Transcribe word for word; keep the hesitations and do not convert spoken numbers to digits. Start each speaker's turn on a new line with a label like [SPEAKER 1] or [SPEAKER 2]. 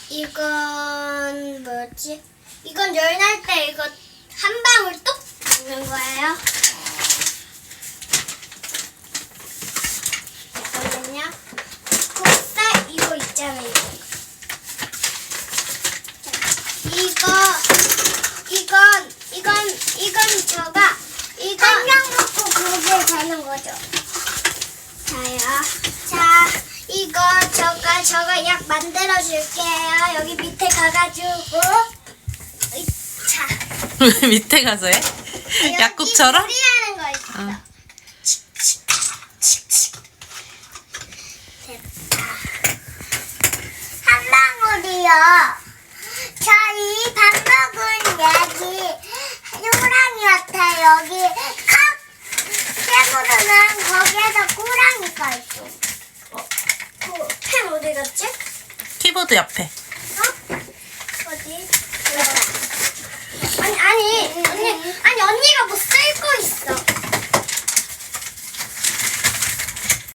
[SPEAKER 1] 이건 뭐였지? 이건 열 날 때 이거 한 방울 뚝 넣는 거예요. 잠깐만요. 국살 이거 있잖아요. 이거 이건 이건 이건 저가 이거 한 장 먹고 그게 되는 거죠. 자요. 자 이거 저가 저가 약 만들어 줄게요. 여기 밑에 가가지고 자
[SPEAKER 2] 왜 밑에 가서 해? 약국처럼?
[SPEAKER 1] 여기 소리하는 거 있어.
[SPEAKER 2] 어.
[SPEAKER 1] 됐다. 한 방울이요. 저 이 밥 먹은 약이 호랑이한테 여기 칵 깨물으면 거기에서 호랑이가 있어. 어, 그 펜 어디 갔지?
[SPEAKER 2] 키보드 옆에.
[SPEAKER 1] 어? 어디? 여기다.